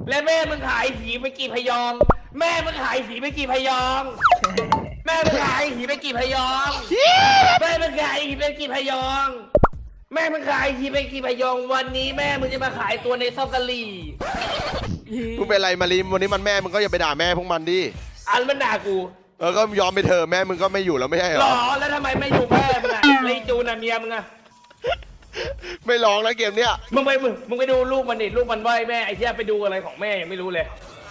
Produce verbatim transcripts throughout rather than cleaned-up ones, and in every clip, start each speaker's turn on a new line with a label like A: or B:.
A: และแม่มึงขายผีไปกี่พยองแม่มึงขายผีไปกี่พยองแม่มึงขายผีไปกี่พยองแม่มึงขายผีไปกี่พยองแม่มึงขายผีไปกี่พยองวันนี้แม่มึงจะมาขายตัวในซอกกะหรี่
B: มึงเป็นไรมารีวันนี้มันแม่มึงก็อย่าไปด่าแม่พวกมันดิ
A: อันมันด่ากู
B: เออก็ยอมไปเถอะแม่มึงก็ไม่อยู่แล้วไม่ใช่เหรอ
A: หรอแล้วทำไมไม่อยู่แม่มึงอะไอจูน่ะเมียมึงอะ
B: ไม่ร้องแล้วเกมเนี้ย
A: มึงไปมึงมึงไปดูลูกมันดิลูกมันไหวแม่ไอ้เหี้ยไปดูอะไรของแม่ยังไม่รู้เลย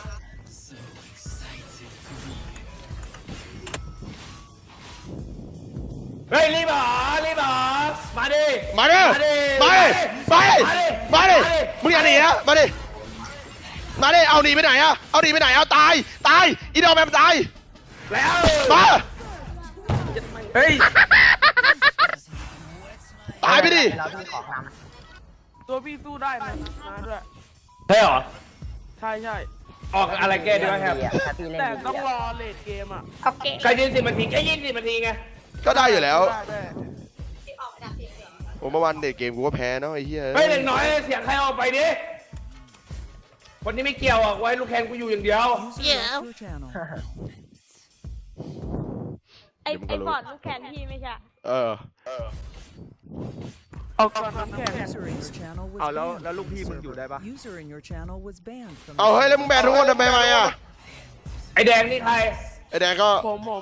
A: เฮ้ยรีบหรอรีบหรอมาดิ
B: มาดิมาดิมาดิมาดิมึงอย่าหนีนะมาดิมาดิเอาหนีไปไหนอะเอาหนีไปไหนเอาตายตายอีดอมแมมตาย
A: แล้ว
B: มา
A: เฮ้ย
B: ตายไปดิ
C: ตัวพี่สู้ได้นะมาด้วย
A: ใช่หรอ
C: ใช่ใช่
A: ออกอะไรแก้ดีวะครับ
C: แต่ต้องรอเลดเกมอ่ะ
A: ใครยืนสิบนาทีแค่ยี่สิบนาทีไง
B: ก็ได้อยู่แล้วผมเมื่อวันเด็กเกมกูก็แพ้เนาะไอ้เหี้ย
A: เฮ้ยเด็กน้อยเสียงใครออกไปดิคนนี้ไม่เกี่ยวอ่ะไว้ลูกแคนกูอยู่อย่างเดียว
D: เดี๋ยวไอ้ไอ้บอดลูกแคนพี่ไม่ใช่
B: เออ
C: เอาก่อนน้ำแข็ง
E: เอาแล้วแล้วลูกพี่มึงอยู่ได้ปะ
B: เอาเฮ้ยแล้วมึงแบนทุกคนทำไมมาอ่ะ
A: ไอแดงนี่ใคร
B: ไอแดงก็
C: ผมผม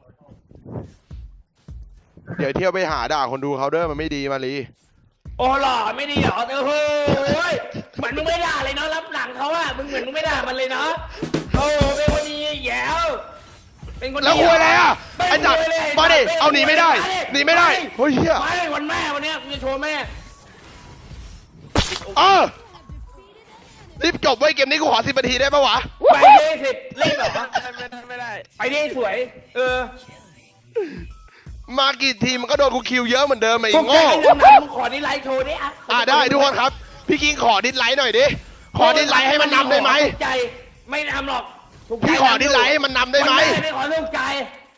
B: เดี๋ยวเที่ยวไปหาด่าคนดูเขาเด้อมันไม่ดีมาลี
A: โอ้หล่อไม่ดีเหรอเออเฮ้ยเหมือนมึงไม่ด่าเลยเนาะรับหลังเขาอะมึงเหมือนมึงไม่ด่ามันเลยเนาะโอ้เป็นคนดีแย่เป็นคนดี
B: แล้วคุยอะไรอ่ะไอ้จัดมาดิเอาหนีไม่ได้หนีไม่ได้เฮ้ยเฮีย
A: มาเลยวันแม่วันนี้กูจะโชว์แม่
B: เออรีบจบไว้เกมนี้กูขอสิบนาทีได้ปะวะ
A: ไปดิสิรีบเหรอ
C: ไม่ได้
A: ไปดิสวยเออ
B: มากี่ทีมันก็โดนกูคิวเยอะเหมือนเดิมไอ้โง่
A: มึงขอดิไลค์โชว์ดิ
B: อ่ะได้ทุกคนครับพี่กิงขอดิสไลค์หน่อยดิขอดิสไลค์ให้มันนำได้ไหม
A: ใจไม่นำหรอก
B: พี่ขอดิสไลค์ให้มันนำได้ไหม
A: ไม่ขอลูกใจ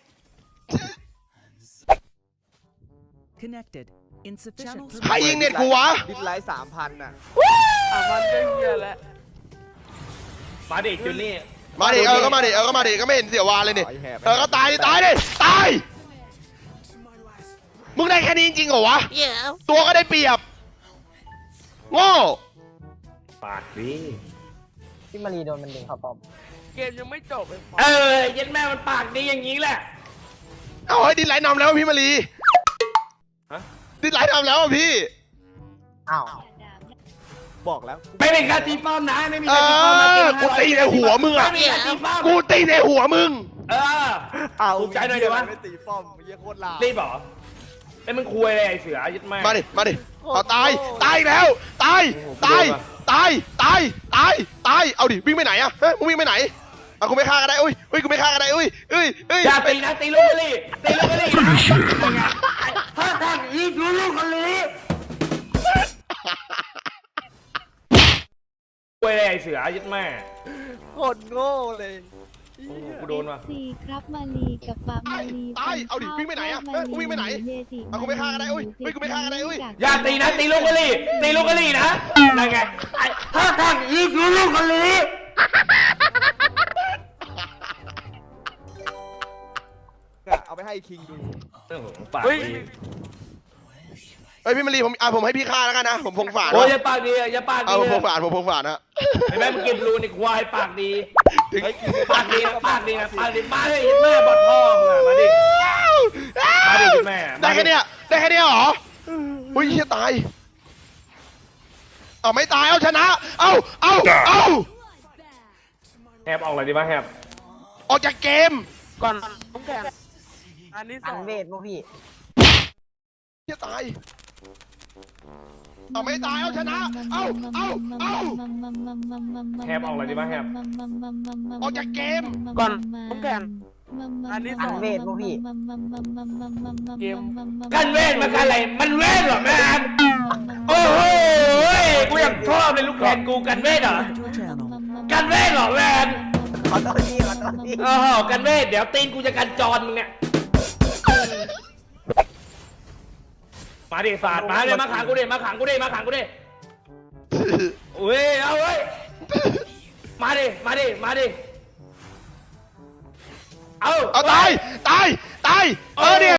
B: ใครยิงเน็ตกูวะ
E: ดิสไลค์สามพันอ่ะ
C: สามพันก็เหี้ยแล้ว
A: มาดิจูนี่
B: มาดิเออก็มาดิเออก็มาดิก็ไม่เห็นเสียวาเลยนี่เออก็ตายดิตายดิตายมึงได้แค่นี้จริงเหรอวะตัวก็ได้เปรียบโง่
A: ปากดิ
F: พี่มารีโดนมันดึงเข้าป้อม
C: เกมยังไม่จบเลย
A: เออยันแม่มันปากดีอย่างนี้แหละ
B: เอาให้ดิสไลท์นำแล้วพี่มารีดิสไลท์นำแล้วพี่
F: อ้าว
E: บอกแล้ว
A: ไม่เป็นการตีป้อมนะไม่มีการตีป้อมนะ
B: กูตีในหัวมึงอ่ะกูตีในหัวมึง
A: เออ
E: เอา
A: ถูกใจหน่อยเดี๋ยววะ
E: ไม่ตีป้อมเยี่ยโคตรลา
A: รีบเหรอไอ้มึงคุยเลยไอ้เสือยึดแม่
B: มาดิมาดิเอาตายตายแล้วตายตายตายตายตายตายเอาดิวิ่งไปไหนอะเฮ้ยมึงวิ่งไปไหนอ่ะกูไม่ฆ่ากันได้อุ้ยอุ้ยกูไม่ฆ่ากันได้อุ้ยอุ้ยอุ้ย
A: อย่าตีนะตีลูกเลยตีลูกเลยถ้าทางอีกลูกกันเลยคุยเลยไอ้เสือยึดแม่
E: โคตรโง่เลย
A: กูโดนว่ะ
D: สี่ครับมาลีกับปามาลี
B: ตายเอาดิวิ่งไปไหนอะเฮ้ยวิ่งไปไหนอ่ะกูไม่ฆ่ากันได้อุ้ยอุ้ยกูไม่ฆ่ากันได้อุ้ย
A: อย่าตีนะตีลูกกันเลยตีลูกกันเลยนะนั่นไงถ้าทางอีกลูกกันเลย
E: เอาไปให้คิงดู
A: เฮ้ย
B: เฮ้ยพี่มารีผมอ่ะผมให้พี่ฆ่าแล้วกันนะผมพงฝาด
A: โอ้ยอย่าปากดีอย่าปากดี
B: เอาผมพงฝาดผมพงฝาดนะ
A: ไอ้แม่มึงกินรูนี่ควายปากดีปากดีนะปากดีนะปากดีมาเลยแม่บอดพ่อมึงมาดิมาดิแม่
B: ได้แค่เนี้ยได้แค่เนี้ยเหรออุ้ยเชี่ยตายเอาไม่ตายเอาชนะเอาเอาเอา
A: แฮบออกอะไรดีวะแฮบ
B: ออกจากเกม
C: ก่อนต้องแข่งอันนี้สอง
F: เวทพวกพี่
B: เชี่ยตายเอาไม่ตายเอาชนะเอาเอาเอา
A: แฮบออกอะไรดีวะแฮบ
B: ออกจากเกม
C: ก่อนต้องแข่งอันนี้สอง
F: เวทพวกพี่
C: เกม
A: กันเวทมันอะไรมันเวทเหรอแม่โอ้โหกูอยากชอบเลยลูกแขนกูกันเวทเหรอกันเวทเหรอแมน
F: ขอโทษพี่ขอโทษพี่
A: เออกันเวทเดี๋ยวตีนกูจะกันจรมึงเนี่ยมาดิศาสตร์มาเลยมาขังกูดิมาขังกูดิมาขังกูดิเว้ยเอาเว้ยมาดิมาดิมาดิเอา
B: เอาตายตายตายเออเนี่ย